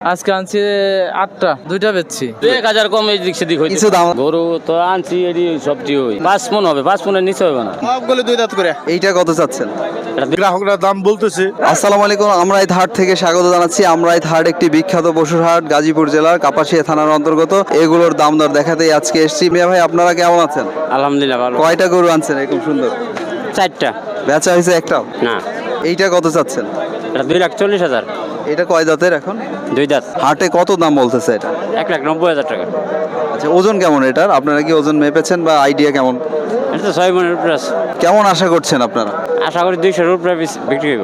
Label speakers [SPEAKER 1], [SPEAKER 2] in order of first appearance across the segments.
[SPEAKER 1] আজকে আনছি 8টা, 2টা বেচছি।
[SPEAKER 2] 1000 কম এই দিক সেদিক হইছে।
[SPEAKER 3] কিছু দাম
[SPEAKER 2] গরু তো আনছি এডি সবটি হই 5 মণ হবে, 5 মণের নিচে হবে না।
[SPEAKER 4] সবগুলো 2 দাঁত করে।
[SPEAKER 3] এইটা কত চাচ্ছেন?
[SPEAKER 4] গ্রাহকরা দাম বলতেছে।
[SPEAKER 3] আসসালামু আলাইকুম, আমরাই হাট থেকে স্বাগত জানাচ্ছি। আমরাই হাট একটি বিখ্যাত পশুর হাট, গাজীপুর জেলার কাপাসিয়া থানার অন্তর্গত। এগুলোর দাম দর দেখাতেই আজকে এসেছি। মিয়া ভাই, আপনারা কেমন আছেন?
[SPEAKER 2] আলহামদুলিল্লাহ ভালো।
[SPEAKER 3] কয়টা গরু আনছেন এরকম সুন্দর?
[SPEAKER 2] 4টা।
[SPEAKER 3] বেচা হয়েছে একটাও?
[SPEAKER 2] না,
[SPEAKER 3] এইটা কত চাচ্ছেন?
[SPEAKER 2] এটা 2,40,000।
[SPEAKER 3] এটা কয় দাঁতের এখন?
[SPEAKER 2] 2 দাঁত।
[SPEAKER 3] হাটে কত দাম বলতেছে এটা?
[SPEAKER 2] 1,90,000 টাকা।
[SPEAKER 3] আচ্ছা, ওজন কেমন এটার? আপনারা কি ওজন মেপেছেন বা আইডিয়া কেমন?
[SPEAKER 2] এটা তো 6 মণের উপরে আছে।
[SPEAKER 3] কেমন আশা করছেন আপনারা?
[SPEAKER 2] আশা করি 200-এর উপরে বিক্রি হইব।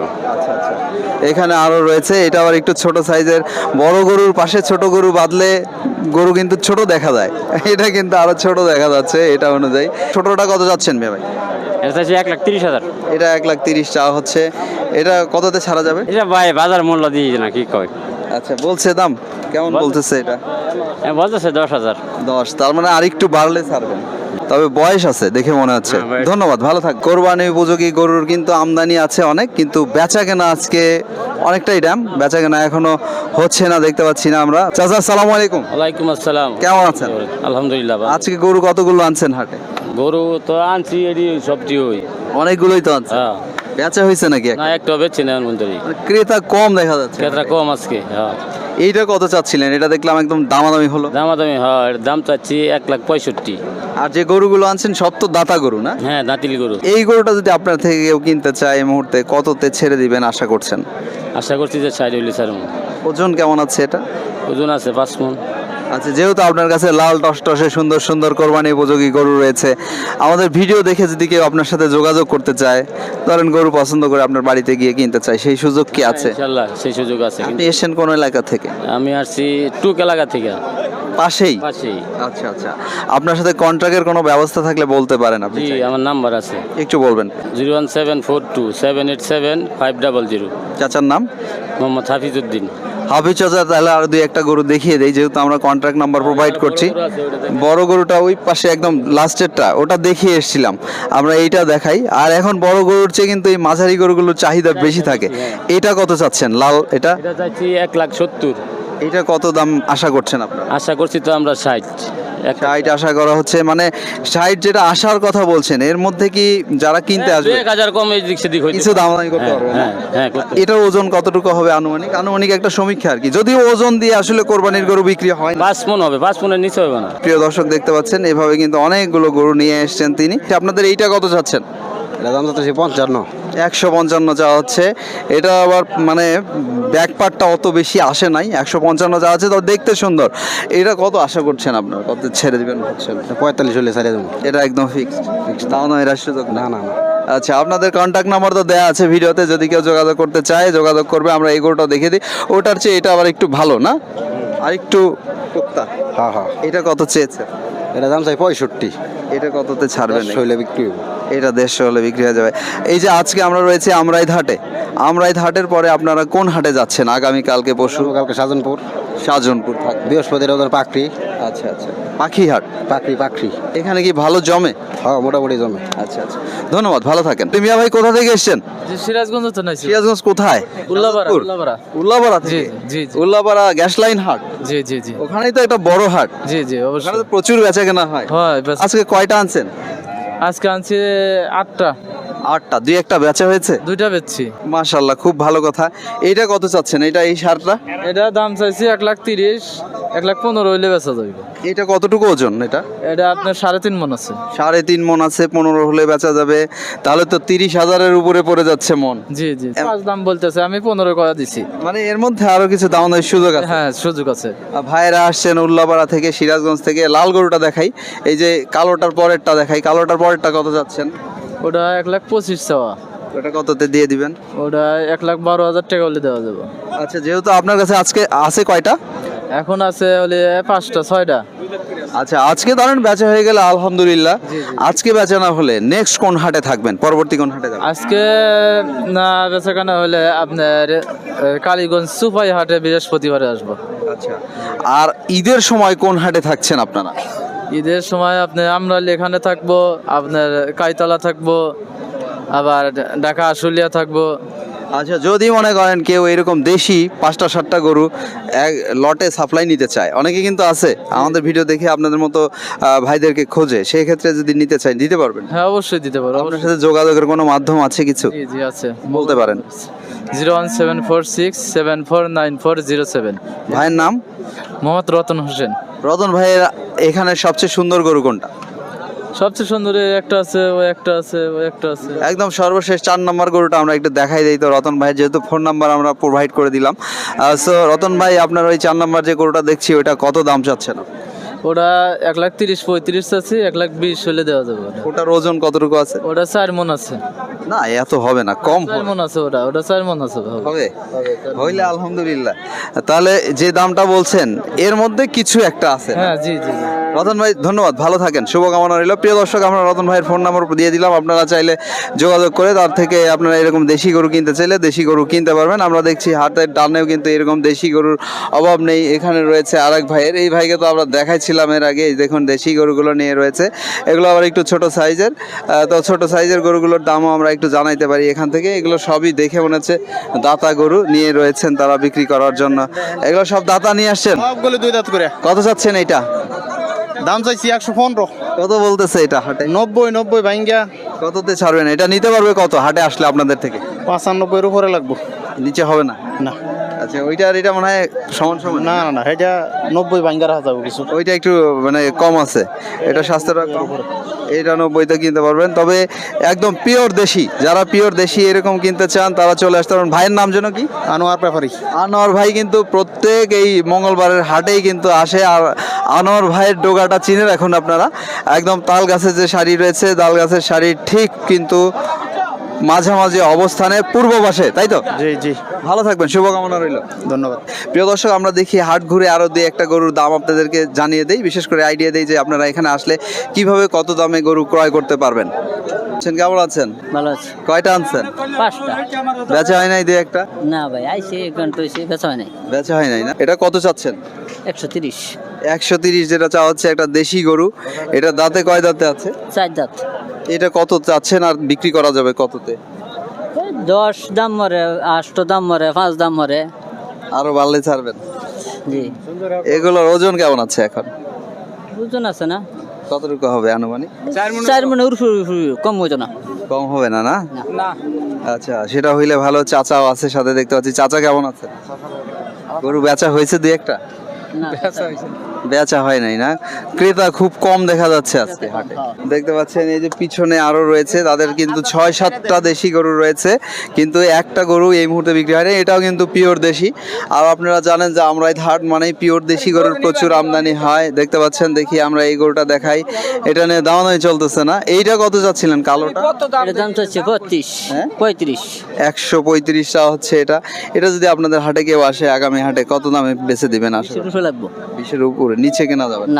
[SPEAKER 3] এখানে আরো রয়েছে, এটা আবার একটু ছোট সাইজের। বড় গরুর পাশে ছোট গরু বাঁধলে গরু কিন্তু ছোট দেখা যায়, এটা কিন্তু আরো ছোট দেখা যাচ্ছে এটা অনুযায়ী। ছোটটা কত যাচ্ছেন মিয়া ভাই?
[SPEAKER 2] এটা চাইছি 1,30,000।
[SPEAKER 3] এটা 1,30,000 চাওয়া হচ্ছে। এটা কততে ছাড়া যাবে?
[SPEAKER 2] এটা ভাই বাজার মূল্য দিয়ে না, কি কয়?
[SPEAKER 3] আচ্ছা, বলছে দাম কেমন বলতেছে এটা?
[SPEAKER 2] বলতেছে 10,000।
[SPEAKER 3] 10, তার মানে আরেকটু বাড়লে ছাড়বেন। তবে বয়স আছে দেখে মনে হচ্ছে।
[SPEAKER 2] হ্যাঁ, বয়স।
[SPEAKER 3] ধন্যবাদ, ভালো থাক। কোরবানি উপযোগী গরুর কিন্তু আমদানি আছে অনেক, কিন্তু বেচা কেনা আজকে অনেকটাই ড্যাম। বেচা কেনা এখনো হচ্ছে না, দেখতে পাচ্ছি না আমরা। চাচা, আসসালামু আলাইকুম।
[SPEAKER 2] ওয়ালাইকুম আসসালাম।
[SPEAKER 3] কেমন আছেন?
[SPEAKER 2] আলহামদুলিল্লাহ ভালো।
[SPEAKER 3] আজকে গরু কতগুলো আনছেন হাটে?
[SPEAKER 2] গরু তো আনছি এডি সবটি হই।
[SPEAKER 3] অনেকগুলোই তো আনছেন।
[SPEAKER 2] হ্যাঁ,
[SPEAKER 3] বেচা হয়েছে নাকি?
[SPEAKER 2] না একটা বেচছি না মন্দিরই।
[SPEAKER 3] ক্রেতা কম দেখা যাচ্ছে।
[SPEAKER 2] ক্ষেত্রে কম আজকে। হ্যাঁ,
[SPEAKER 3] এইটা কত চাচ্ছিলেন? এটা দেখলাম একদম দামাদামি হলো।
[SPEAKER 2] দামাদামি। হ্যাঁ, এর দাম চাচ্ছি 1,65,000।
[SPEAKER 3] আর যে গরুগুলো আনছেন সব তো দাতা গরু না?
[SPEAKER 2] হ্যাঁ, দাঁতিল গরু।
[SPEAKER 3] এই গরুটা যদি আপনার থেকে কেউ কিনতে চায় এই মুহূর্তে, কততে ছেড়ে দিবেন আশা করছেন?
[SPEAKER 2] আশা করছি যে 60-60
[SPEAKER 3] ওজন কেমন আছে এটা?
[SPEAKER 2] ওজন আছে 5 মণ।
[SPEAKER 3] আচ্ছা, যেহেতু আপনার কাছে লাল টসটসে সুন্দর সুন্দর কোরবানি উপযোগী গরু রয়েছে, আমাদের ভিডিও দেখে যদি কেউ আপনার সাথে যোগাযোগ করতে চায়, ধরেন গরু পছন্দ করে আপনার বাড়িতে গিয়ে কিনতে চায়, সেই সুযোগ কি আছে?
[SPEAKER 2] ইনশাআল্লাহ সেই সুযোগ আছে।
[SPEAKER 3] আপনি এসেছেন কোন এলাকা থেকে?
[SPEAKER 2] আমি আসছি টুক এলাকা থেকে।
[SPEAKER 3] পাশেই?
[SPEAKER 2] পাশেই।
[SPEAKER 3] আচ্ছা আচ্ছা, আপনার সাথে কন্ট্রাক্টের কোনো ব্যবস্থা থাকলে বলতে পারেন আপনি
[SPEAKER 2] জি,
[SPEAKER 3] চাইলে।
[SPEAKER 2] আমার নাম্বার আছে
[SPEAKER 3] একটু বলবেন।
[SPEAKER 2] 01742787500।
[SPEAKER 3] চাচার নাম?
[SPEAKER 2] মোহাম্মদ হাফিজউদ্দিন।
[SPEAKER 3] হাফিজ চাচা, তাহলে আর দুই একটা গরু দেখিয়ে দেই, যেহেতু আমরা কন্ট্রাক্ট নাম্বার প্রোভাইড করছি। বড় গরুটা ওই পাশে একদম লাস্টেরটা, ওটা দেখিয়ে এসেছিলাম আমরা, এইটা দেখাই। আর এখন বড় গরুর চেয়ে কিন্তু এই মাঝারি গরুগুলোর চাহিদা বেশি থাকে। এটা কত চাচ্ছেন লাল? এটা
[SPEAKER 2] এটা চাইছি 1,70,000।
[SPEAKER 3] এটা কত দাম আশা করছেন আপনারা?
[SPEAKER 2] আশা করছি তো আমরা 60।
[SPEAKER 3] 60 আশা করা হচ্ছে, মানে 60 যেটা আসার কথা বলছেন, এর মধ্যে কি যারা কিনতে আসবে
[SPEAKER 2] 1000 কম এই দিক সেদিক হইছে।
[SPEAKER 3] কিছু দামাদামি করতে পারবে না?
[SPEAKER 2] হ্যাঁ, হ্যাঁ, করতে।
[SPEAKER 3] এটার ওজন কতটুকু হবে আনুমানিক? আনুমানিক একটা সমীক্ষা আর কি, যদিও ওজন দিয়ে আসলে কোরবানির গরু বিক্রি হয় না।
[SPEAKER 2] 5 মণ হবে, 5 মণের নিচে হবে না।
[SPEAKER 3] প্রিয় দর্শক, দেখতে পাচ্ছেন এভাবে কিন্তু অনেকগুলো গরু নিয়ে এসেছেন তিনি। আপনাদের এইটা কত চাচ্ছেন?
[SPEAKER 4] এটা দাম যাচ্ছে 55।
[SPEAKER 3] 155 চাওয়া হচ্ছে। এটা আবার মানে ব্যাক পার্টটা অত বেশি আসে নাই, 155 চাওয়া হচ্ছে। তো দেখতে সুন্দর। এটা কত আশা করছেন আপনার? কত ছেড়ে দিবেন ভাবছেন?
[SPEAKER 4] 45 হলে ছাড়িয়ে দেবো।
[SPEAKER 3] এটা একদম ফিক্সড? তাও না, এর সুযোগ না?
[SPEAKER 4] না না।
[SPEAKER 3] আচ্ছা, আপনাদের কন্ট্যাক্ট নাম্বার তো দেওয়া আছে ভিডিওতে, যদি কেউ যোগাযোগ করতে চায় যোগাযোগ করবে। আমরা এই গরুটা দেখে দিই। ওটার চেয়ে এটা আবার একটু ভালো না? আর একটু টুকটা।
[SPEAKER 4] হ্যাঁ হ্যাঁ।
[SPEAKER 3] এটা কত চেয়েছে?
[SPEAKER 4] এটা দাম চাই 65।
[SPEAKER 3] এটা কততে ছাড়বেন?
[SPEAKER 4] হইলে বিক্রি হইব।
[SPEAKER 3] এটা 150 হলে বিক্রি হয়ে যাবে। এই যে আজকে আমরা রয়েছে আমরাইত হাটে, আমরাইত হাটের পরে আপনারা কোন হাটে যাচ্ছেন আগামী কালকে পরশু?
[SPEAKER 4] কালকে সাজনপুর,
[SPEAKER 3] শাহজাহানপুর থাকবে।
[SPEAKER 4] বৃহস্পতির ওদের পাকড়ি।
[SPEAKER 3] আচ্ছা আচ্ছা, পাখি হাট।
[SPEAKER 4] পাকড়ি।
[SPEAKER 3] এখানে কি ভালো জমে?
[SPEAKER 4] হ্যাঁ, মোটামুটি জমে।
[SPEAKER 3] আচ্ছা আচ্ছা, ধন্যবাদ, ভালো থাকেন। মিয়া ভাই, কোথা থেকে এসেছেন?
[SPEAKER 1] জি, সিরাজগঞ্জ তো নাইছি।
[SPEAKER 3] সিরাজগঞ্জ কোথায়?
[SPEAKER 1] উল্লাপাড়া।
[SPEAKER 3] শাহজাহানপুর?
[SPEAKER 1] উল্লাপাড়া।
[SPEAKER 3] উল্লাপাড়া
[SPEAKER 1] জি
[SPEAKER 3] থেকে?
[SPEAKER 1] জি জি
[SPEAKER 3] উল্লাপাড়া গ্যাস লাইন হাট,
[SPEAKER 1] জি জি জি
[SPEAKER 3] ওখানেই তো একটা বড় হাট।
[SPEAKER 1] জি জি
[SPEAKER 3] ওখানে
[SPEAKER 1] অবশ্যই
[SPEAKER 3] তো প্রচুর বেচা কেনা হয়।
[SPEAKER 1] হয়। ব্যাস
[SPEAKER 3] আজকে কয়টা আনছেন?
[SPEAKER 1] আজকে আনছি 8টা,
[SPEAKER 3] 8টা, দুই একটা বেচা হয়েছে।
[SPEAKER 1] 2টা বেচছি।
[SPEAKER 3] মাশাআল্লাহ, খুব ভালো কথা। এইটা কত চাচ্ছেন? এটা এই সারটা?
[SPEAKER 1] এটা দাম চাইছি 1,30,000, 1,15,000 হইলে বেচা যাবে।
[SPEAKER 3] এটা কতটুকু ওজন? এটা
[SPEAKER 1] এটা আপনার 3.5 মণ আছে।
[SPEAKER 3] 3.5 মণ আছে, 15 হলে বেচা যাবে। তাহলে তো 30,000-এর উপরে পড়ে যাচ্ছে মন।
[SPEAKER 1] জি জি, 5 দাম বলতেছে, আমি 15 করে দিছি।
[SPEAKER 3] মানে এর মধ্যে আরো কিছু দামের সুযোগ আছে।
[SPEAKER 1] হ্যাঁ, সুযোগ আছে।
[SPEAKER 3] ভাইরা আসছেন উল্লাপাড়া থেকে, সিরাজগঞ্জ থেকে। লাল গরুটা দেখাই, এই যে কালোটার পরেরটা দেখাই। কালোটার পরেরটা কত যাচ্ছেন?
[SPEAKER 1] ওটা 1,25,000 চাওয়া।
[SPEAKER 3] ওটা কততে দিয়ে দিবেন?
[SPEAKER 1] ওটা 1,12,000 টাকা হলে দেওয়া যাবে।
[SPEAKER 3] আচ্ছা, যেহেতু আপনার কাছে আজকে আছে কয়টা?
[SPEAKER 1] এখন আছে হলে 5টা 6টা।
[SPEAKER 3] আচ্ছা, আজকে ধরেন বেচা হয়ে গেলে আলহামদুলিল্লাহ।
[SPEAKER 1] জি, জি।
[SPEAKER 3] আজকে বেচা না হলে নেক্সট কোন হাটে থাকবেন? পরবর্তী কোন হাটে যাবেন?
[SPEAKER 1] আজকে না বেচাকেনা হলে আপনার কালীগঞ্জ সুপাই হাটে বৃহস্পতিবারে আসবো।
[SPEAKER 3] আচ্ছা, আর ঈদের সময় কোন হাটে থাকছেন আপনারা?
[SPEAKER 1] ঈদের সময় আপনি আমরা এখানে থাকবো, আপনার কাইতলা থাকবো, আবার ঢাকা আশুলিয়া থাকবো।
[SPEAKER 3] আচ্ছা, যদি মনে করেন কেউ এরকম দেশি 5টা-7টা গরু এক লটে সাপ্লাই নিতে চায়, অনেকে কিন্তু আছে আমাদের ভিডিও দেখে আপনাদের মতো ভাইদেরকে খোঁজে, সেই ক্ষেত্রে যদি নিতে চায় দিতে পারবেন?
[SPEAKER 1] হ্যাঁ অবশ্যই দিতে পারো।
[SPEAKER 3] আপনার সাথে যোগাযোগের কোনো মাধ্যম আছে কিছু?
[SPEAKER 1] জি জি আছে,
[SPEAKER 3] বলতে পারেন।
[SPEAKER 1] 01746749407।
[SPEAKER 3] ভাইয়ের নাম?
[SPEAKER 1] মোহাম্মদ রতন হোসেন।
[SPEAKER 3] রতন ভাইয়ের এখানে সবচেয়ে সুন্দর গরু কোনটা?
[SPEAKER 1] সবচেয়ে সুন্দর এই একটা আছে, ওই একটা আছে, ওই একটা আছে।
[SPEAKER 3] একদম সর্বশেষ 4 নম্বর গরুটা আমরা একটু দেখাই দিই তো রতন ভাই, যেহেতু ফোন নাম্বার আমরা প্রোভাইড করে দিলাম। সো রতন ভাই, আপনার ওই 4 নম্বর যে গরুটা দেখছি ওটা কত দাম চাচ্ছেন?
[SPEAKER 1] ওটা 1,30,35 আছে, 1,20,000 হলে দেওয়া যাবে।
[SPEAKER 3] ওটার ওজন কতটুকু আছে?
[SPEAKER 1] ওটা 4 মণ আছে।
[SPEAKER 3] না এত হবে না, কম
[SPEAKER 1] 4 মণ আছে, ওটা 4 মণ আছে।
[SPEAKER 3] হবে, হইলে আলহামদুলিল্লাহ। তাহলে যে দামটা বলছেন এর মধ্যে কিছু একটা আছে।
[SPEAKER 1] হ্যাঁ জি জি জি।
[SPEAKER 3] রতন ভাই ধন্যবাদ, ভালো থাকেন, শুভকামনা রইল। প্রিয় দর্শক, আমরা রতন ভাইয়ের ফোন নাম্বার দিয়ে দিলাম, আপনারা চাইলে যোগাযোগ করে তার থেকে আপনারা এরকম দেশি গরু কিনতে চাইলে দেশি গরু কিনতে পারবেন। আমরা দেখছি হাটের ডানেও কিন্তু এরকম দেশি গরুর অভাব নেই। এখানে রয়েছে আরেক ভাইয়ের, এই ভাইকে তো আমরা দেখাইছিলাম এর আগে। এই দেখুন দেশি গরুগুলো নিয়ে রয়েছে, এগুলো আবার একটু ছোট সাইজের। তো ছোট সাইজের গরুগুলোর দামও আমরা একটু জানাইতে পারি এখান থেকে। এগুলো সবই দেখে মনে হচ্ছে দাতা গরু নিয়ে রয়েছেন তারা বিক্রি করার জন্য। এগুলো সব দাতা নিয়ে আসছেন?
[SPEAKER 5] সবগুলো 2 দাঁত করে।
[SPEAKER 3] কত চাচ্ছেন এইটা?
[SPEAKER 5] দাম চাইছি 115।
[SPEAKER 3] কত বলতেছে এটা হাটে?
[SPEAKER 5] 90 ভাঙ্গা।
[SPEAKER 3] কততে ছাড়বেন? এটা নিতে পারবে কত হাটে আসলে আপনাদের থেকে?
[SPEAKER 5] 95 এর উপরে লাগবো।
[SPEAKER 3] নিচে হবে না?
[SPEAKER 5] না
[SPEAKER 3] আচ্ছা, ওইটা আর এটা মনে হয় সমান সমান।
[SPEAKER 5] না না না, এটা 90 ভাঙ্গা রাখা যাবে কিছু।
[SPEAKER 3] ওইটা একটু মানে কম আছে, এটা স্বাস্থ্যটা কম। এটা 90তে কিনতে পারবেন। তবে একদম পিওর দেশি, যারা পিওর দেশি এরকম কিনতে চান তারা চলে আসতে পারেন। ভাইয়ের নাম যেন কি?
[SPEAKER 5] আনোয়ার ব্যাপারী।
[SPEAKER 3] আনোয়ার ভাই কিন্তু প্রত্যেক এই মঙ্গলবারের হাটেই কিন্তু আসে। আর আনোয়ার ভাইয়ের ডোগাটা চিনে রাখুন আপনারা। একদম তাল গাছের যে শাড়ি রয়েছে, তাল গাছের শাড়ির ঠিক কিন্তু মাঝামাঝি অবস্থানে পূর্ব পাশে, তাই তো?
[SPEAKER 5] জি জি,
[SPEAKER 3] ভালো থাকবেন, শুভকামনা রইল।
[SPEAKER 5] ধন্যবাদ।
[SPEAKER 3] প্রিয় দর্শক, আমরা দেখি হাট ঘুরে আরো দুই একটা গরুর দাম আপনাদেরকে জানিয়ে দেই, বিশেষ করে আইডিয়া দেই যে আপনারা এখানে আসলে কিভাবে কত দামে গরু ক্রয় করতে পারবেন। কেমন আছেন?
[SPEAKER 6] ভালো আছে।
[SPEAKER 3] কয়টা আনছেন?
[SPEAKER 6] 5টা।
[SPEAKER 3] বেচা হয় নাই দুই একটা?
[SPEAKER 6] না ভাই, আইসি ঘন্টা হয়েছে, বেচা হয় নাই।
[SPEAKER 3] বেচা হয় নাই না? এটা কত চাচ্ছেন?
[SPEAKER 6] 130।
[SPEAKER 3] 130 যেটা চাওয়া হচ্ছে, একটা দেশি গরু। এটা দাঁতে কয় দাঁতে আছে?
[SPEAKER 6] 4 দাঁত।
[SPEAKER 3] এটা কত চাচ্ছেন আর বিক্রি করা যাবে কততে?
[SPEAKER 6] 10 দাম মরে, 8 দাম মরে, 5 দাম মরে।
[SPEAKER 3] আরো বাড়লে ছাড়বেন?
[SPEAKER 6] জি।
[SPEAKER 3] এগুলোর ওজন কেমন আছে এখন?
[SPEAKER 6] ওজন আছে না?
[SPEAKER 3] কতটুকু হবে আনুমানিক?
[SPEAKER 6] 4 মনে কম হইতো না।
[SPEAKER 3] কম হবে না? না
[SPEAKER 6] না।
[SPEAKER 3] আচ্ছা, সেটা হইলে ভালো। চাচাও আছে সাথে দেখতে পাচ্ছি। চাচা কেমন আছে? গরু বেচা হয়েছে দুই একটা?
[SPEAKER 6] না,
[SPEAKER 3] বেচা হয় নাই না? ক্রেতা খুব কম দেখা যাচ্ছে আজকে হাটে। দেখতে পাচ্ছেন এই যে পিছনে আরো রয়েছে, তাদের কিন্তু 6-7টা দেশি গরু রয়েছে, কিন্তু একটা গরু এই মুহূর্তে বিক্রি হয় না। এটাও কিন্তু পিওর দেশি। আর আপনারা জানেন যে আমরা এই হাট মানে পিওর দেশি গরুর প্রচুর আমদানি হয়। দেখতে পাচ্ছেন, দেখি আমরা এই গরুটা দেখাই। এটা নিয়ে দামাদামি চলতেছে না। এইটা কত যাচ্ছিলেন কালোটা?
[SPEAKER 6] এটার দাম চাচ্ছে 35।
[SPEAKER 3] হ্যাঁ?
[SPEAKER 6] 35।
[SPEAKER 3] 135 টাকা হচ্ছে এটা। এটা যদি আপনাদের হাটে কেউ আসে আগামী হাটে, কত দামে বেচে দিবেন আসলে?
[SPEAKER 6] 20 লাগবো।
[SPEAKER 3] 20-এর উপরে, নিচে কেনা যাবে না?
[SPEAKER 6] না।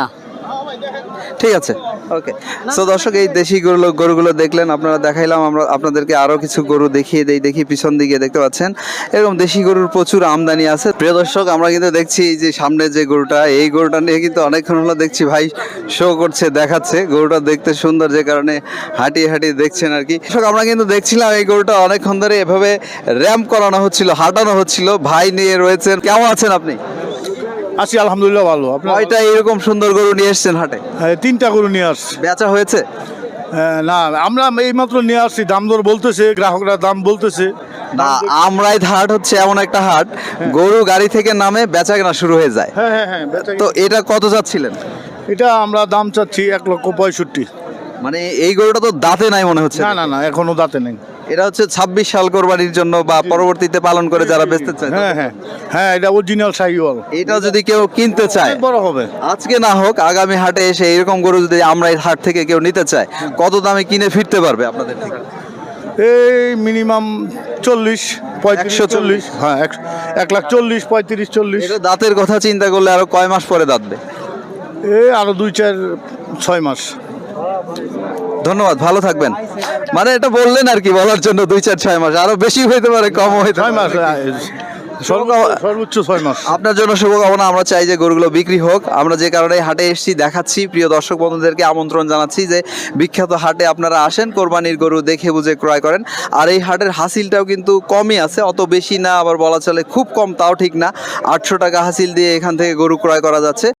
[SPEAKER 3] ঠিক আছে, ওকে। সো দর্শক, এই দেশি গরুগুলো দেখলেন, আপনারা দেখাইলাম। আমরা আপনাদেরকে আরো কিছু গরু দেখিয়ে দেই। দেখি পিছন দিকে দেখতে পাচ্ছেন এরকম দেশি গরুর প্রচুর আমদানি আছে। প্রিয় দর্শক, আমরা কিন্তু দেখছি যে সামনে যে গরুটা, এই গরুটা নিয়ে কিন্তু অনেকক্ষণ হলো দেখছি ভাই শো করছে, দেখাচ্ছে। গরুটা দেখতে সুন্দর, যে কারণে হাঁটিয়ে হাঁটিয়ে দেখছেন আর কি। দর্শক, আমরা কিন্তু দেখছিলাম এই গরুটা অনেকক্ষণ ধরে এভাবে র্যাম্প করানো হচ্ছিল, হাঁটানো হচ্ছিল। ভাই নিয়ে রয়েছেন, কেমন আছেন আপনি?
[SPEAKER 7] আছি আলহামদুলিল্লাহ, ভালো। আপনার?
[SPEAKER 3] কয়টা এরকম সুন্দর গরু নিয়ে এসেছেন হাটে?
[SPEAKER 7] হ্যাঁ, 3টা গরু নিয়ে আসছি।
[SPEAKER 3] বেচা হয়েছে?
[SPEAKER 7] না, আমরা এইমাত্র নিয়ে আসছি। দাম দর বলতেছে, গ্রাহকরা দাম বলতেছে।
[SPEAKER 3] না, আমরাই হাট হচ্ছে এমন একটা হাট, গরু গাড়ি থেকে নামে বেচা কেনা শুরু হয়ে যায়।
[SPEAKER 7] হ্যাঁ হ্যাঁ হ্যাঁ,
[SPEAKER 3] তো এটা কত যাচ্ছিলেন?
[SPEAKER 7] এটা আমরা দাম চাচ্ছি 1,65,000।
[SPEAKER 3] মানে এই গরুটা তো দাঁতে নাই মনে হচ্ছে।
[SPEAKER 7] না না না, এখনো দাঁতে নেই।
[SPEAKER 3] এটা হচ্ছে 26 সাল কোরবানির জন্য বা পরবর্তীতে পালন করে যারা বেচতে চায়।
[SPEAKER 7] হ্যাঁ হ্যাঁ হ্যাঁ, এটা অরিজিনাল শাহিওয়াল।
[SPEAKER 3] এটা যদি কেউ কিনতে চায়,
[SPEAKER 7] অনেক বড় হবে।
[SPEAKER 3] আজকে না হোক আগামী হাটে এসে এরকম গরু যদি আমরা এই হাট থেকে কেউ নিতে চায়, কত দামে কিনে ফিরতে পারবে আপনাদের থেকে?
[SPEAKER 7] এই মিনিমাম 40, 35,
[SPEAKER 3] 140।
[SPEAKER 7] 40। হ্যাঁ, 1,40,000, 35, 40।
[SPEAKER 3] এটা দাঁতের কথা চিন্তা করলে আরো কয় মাস পরে দাঁতবে?
[SPEAKER 7] আরো 2-4-6 মাস।
[SPEAKER 3] ধন্যবাদ, ভালো থাকবেন। মানে এটা বললেন আর কি, বলার জন্য 2-4-6 মাস, আরো বেশি হইতে পারে, কম হইতে
[SPEAKER 7] 6 মাস।
[SPEAKER 3] পারে।
[SPEAKER 7] সর্বোচ্চ 6 মাস।
[SPEAKER 3] আপনার জন্য শুভকামনা। আমরা চাই যে গরুগুলো বিক্রি হোক। আমরা যে কারণে হাটে এসেছি দেখাচ্ছি, প্রিয় দর্শক বন্ধুদেরকে আমন্ত্রণ জানাচ্ছি যে বিখ্যাত হাটে আপনারা আসেন, কোরবানির গরু দেখে বুঝে ক্রয় করেন। আর এই হাটের হাসিলটাও কিন্তু কমই আছে, অত বেশি না, আবার বলা চলে খুব কম তাও ঠিক না। 800 টাকা হাসিল দিয়ে এখান থেকে গরু ক্রয় করা যাচ্ছে।